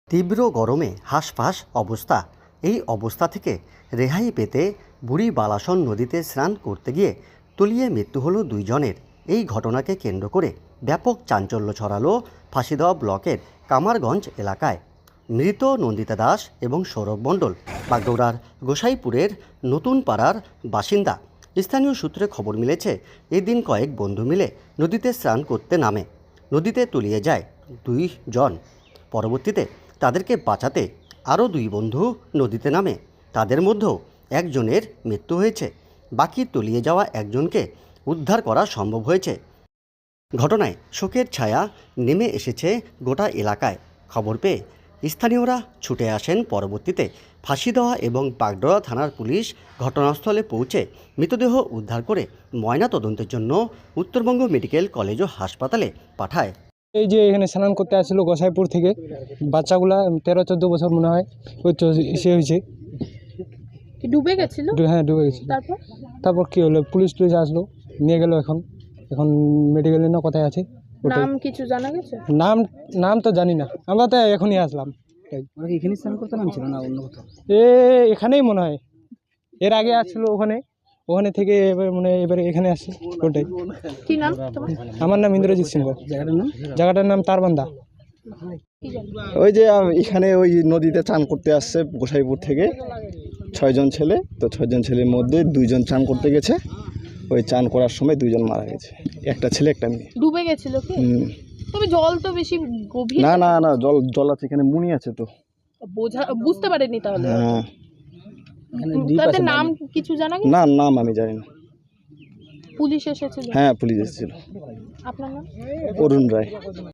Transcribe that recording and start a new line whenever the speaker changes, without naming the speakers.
তীব্র গরমে হাঁসফাঁস অবস্থা। এই অবস্থা থেকে রেহাই পেতে বুড়ি বালাসন নদীতে স্নান করতে গিয়ে তলিয়ে মৃত্যু হলো দুইজনের। এই ঘটনাকে কেন্দ্র করে ব্যাপক চাঞ্চল্য ছড়ালো ফাঁসিদেওয়া ব্লকের কামারগঞ্জ এলাকায়। মৃত নন্দিতা দাস এবং সৌরভ মণ্ডল বাগডোগরার গোসাইপুরের নতুন পাড়ার বাসিন্দা। স্থানীয় সূত্রে খবর মিলেছে, এদিন কয়েক বন্ধু মিলে নদীতে স্নান করতে নামে। নদীতে তলিয়ে যায় দুইজন। পরবর্তীতে তাদেরকে বাঁচাতে আরও দুই বন্ধু নদীতে নামে। তাদের মধ্যেও একজনের মৃত্যু হয়েছে, বাকি তলিয়ে যাওয়া একজনকে উদ্ধার করা সম্ভব হয়েছে। ঘটনায় শোকের ছায়া নেমে এসেছে গোটা এলাকায়। খবর পেয়ে স্থানীয়রা ছুটে আসেন। পরবর্তীতে ফাঁসিদেওয়া এবং বাগডোগরা থানার পুলিশ ঘটনাস্থলে পৌঁছে মৃতদেহ উদ্ধার করে ময়না তদন্তের জন্য উত্তরবঙ্গ মেডিকেল কলেজ ও হাসপাতালে পাঠায়।
এই যে এখানে স্নান করতে আসছিল গোসাইপুর থেকে বাচ্চাগুলা 13-14 বছর মনে হয় ওই তো সে হয়েছে।
ডুবে গেছিল?
হ্যাঁ ডুবে গেছে। তারপর কি হলো, পুলিশ আসলো, নিয়ে গেল। এখন মেডিকেলে না কোথায় আছে
নাম কিছু জানা গেছে?
নাম তো জানি না, আমরা তো এখনই আসলাম।
এখানে স্নান করতে নামছিল না অন্য কোথাও?
এখানেই মনে হয়, এর আগে আসছিল ওখানে থেকে এবারে এখানে আসছে। ওটাই।
কি নাম তোমার?
আমার নাম ইন্দ্রজিৎ সিংহ। জায়গাটার নাম তারবান্দা।
ওই যে এখানে ওই নদীতে চান করতে আসছে গোসাইপুর থেকে 6 জন ছেলে। তো 6 জন ছেলের মধ্যে 2 জন চান করতে গেছে। ওই চান করার সময় 2 জন মারা গেছে, একটা ছেলে একটা মেয়ে।
ডুবে গেছিল কি? তবে জল তো বেশি গভীর
না না না, জল আছে, এখানে মুনি আছে তো
বুঝতে পারেনি তাহলে।
হ্যাঁ।
তাদের নাম কিছু জানা গেছে?
না, নাম আমি জানি না।
পুলিশ এসেছিল?
হ্যাঁ পুলিশ এসেছিল।
আপনার নাম?
অরুণ রায়।